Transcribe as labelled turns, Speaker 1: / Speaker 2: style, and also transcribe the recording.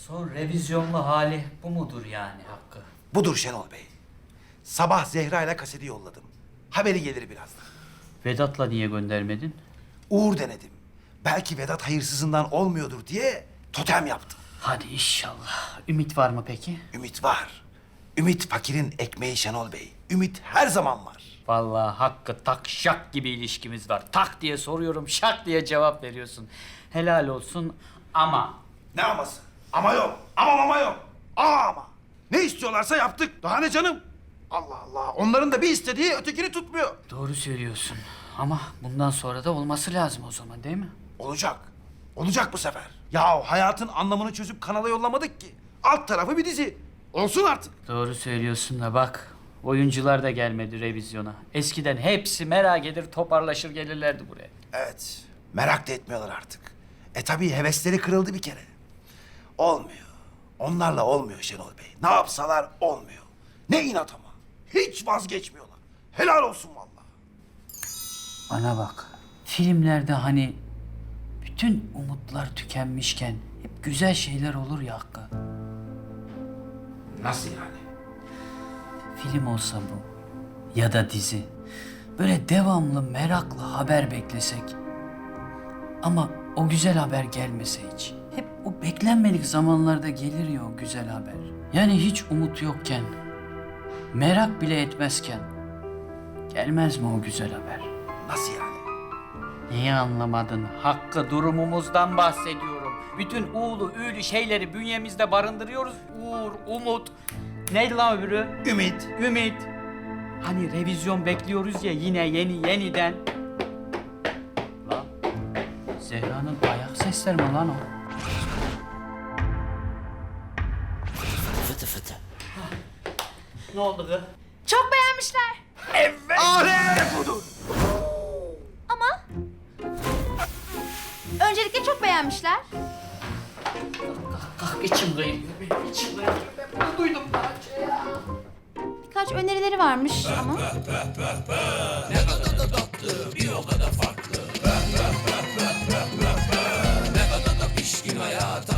Speaker 1: Son revizyonlu hali bu mudur yani Hakkı?
Speaker 2: Budur Şenol Bey. Sabah Zehra ile kaseti yolladım. Haberi gelir birazdan.
Speaker 1: Vedat'la niye göndermedin?
Speaker 2: Uğur denedim. Belki Vedat hayırsızından olmuyordur diye totem yaptım.
Speaker 1: Hadi inşallah. Ümit var mı peki?
Speaker 2: Ümit var. Ümit fakirin ekmeği Şenol Bey. Ümit her zaman var.
Speaker 1: Vallahi Hakkı tak şak gibi ilişkimiz var. Tak diye soruyorum, şak diye cevap veriyorsun. Helal olsun ama...
Speaker 2: Ne aması? Ama yok. Ama yok. Ama. Ne istiyorlarsa yaptık. Daha ne canım? Allah Allah. Onların da bir istediği ötekini tutmuyor.
Speaker 1: Doğru söylüyorsun. Ama bundan sonra da olması lazım o zaman değil mi?
Speaker 2: Olacak. Olacak bu sefer. Ya hayatın anlamını çözüp kanala yollamadık ki. Alt tarafı bir dizi. Olsun artık.
Speaker 1: Doğru söylüyorsun da bak. Oyuncular da gelmedi revizyona. Eskiden hepsi merak eder, toparlaşır gelirlerdi buraya.
Speaker 2: Evet. Merak da etmiyorlar artık. Tabii hevesleri kırıldı bir kere. Olmuyor. Onlarla olmuyor Şenol Bey. Ne yapsalar olmuyor. Ne inat ama. Hiç vazgeçmiyorlar. Helal olsun vallahi.
Speaker 1: Bana bak. Filmlerde hani bütün umutlar tükenmişken hep güzel şeyler olur ya Hakkı.
Speaker 2: Nasıl yani?
Speaker 1: Film olsa bu ya da dizi. Böyle devamlı merakla haber beklesek. Ama o güzel haber gelmese hiç. Hep o beklenmedik zamanlarda gelir ya o güzel haber. Yani hiç umut yokken, merak bile etmezken gelmez mi o güzel haber?
Speaker 2: Nasıl yani?
Speaker 1: Niye anlamadın? Hakkı durumumuzdan bahsediyorum. Bütün uğulu, üğlü şeyleri bünyemizde barındırıyoruz. Uğur, umut. Neydi lan öbürü?
Speaker 2: Ümit.
Speaker 1: Ümit. Hani revizyon bekliyoruz ya yine yeniden. Lan Zehra'nın ayak sesleri mi lan o?
Speaker 3: Fıtı fıtı.
Speaker 1: Ne oldu kız?
Speaker 4: Çok beğenmişler.
Speaker 2: Alem budur.
Speaker 4: Ama öncelikle çok beğenmişler.
Speaker 1: Kalk içim kıyılıyor benim içim kıyılıyor. Ben bunu duydum daha önce ya.
Speaker 4: Birkaç önerileri varmış ama.
Speaker 3: Pişkin hayata